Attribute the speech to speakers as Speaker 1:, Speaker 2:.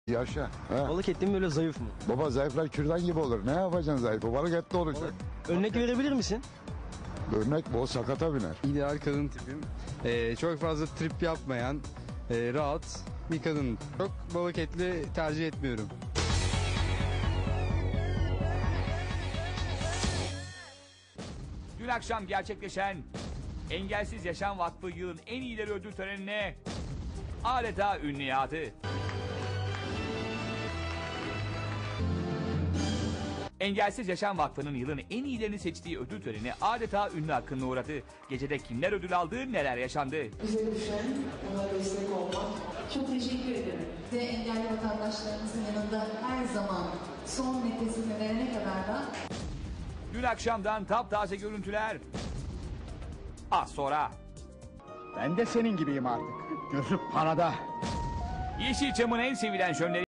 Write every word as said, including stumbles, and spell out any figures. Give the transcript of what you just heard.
Speaker 1: Yaşa. He.
Speaker 2: Balık etli mi böyle zayıf mı?
Speaker 1: Baba zayıflar kürdan gibi olur. Ne yapacaksın zayıfı? Balık etli olacak.
Speaker 2: Örnek verebilir misin?
Speaker 1: Örnek bu sakata biner.
Speaker 3: İdeal kadın tipim. Ee, çok fazla trip yapmayan, e, rahat bir kadın. Çok balık etli tercih etmiyorum.
Speaker 4: Dün akşam gerçekleşen Engelsiz Yaşam Vakfı yılın en iyileri ödül törenine adeta ünlü yağdı. Engelsiz Yaşam Vakfı'nın yılın en iyilerini seçtiği ödül töreni adeta ünlü hakkında uğradı. Gecede kimler ödül aldı, neler yaşandı?
Speaker 5: Bize düşen ona destek olmak.
Speaker 6: Çok teşekkür ederim. Ve engelli vatandaşlarımızın yanında her zaman son nefesini verene kadar da.
Speaker 4: Dün akşamdan taptaze görüntüler. Az sonra.
Speaker 7: Ben de senin gibiyim artık. Gözüm parada.
Speaker 4: Yeşilçam'ın en sevilen şönleri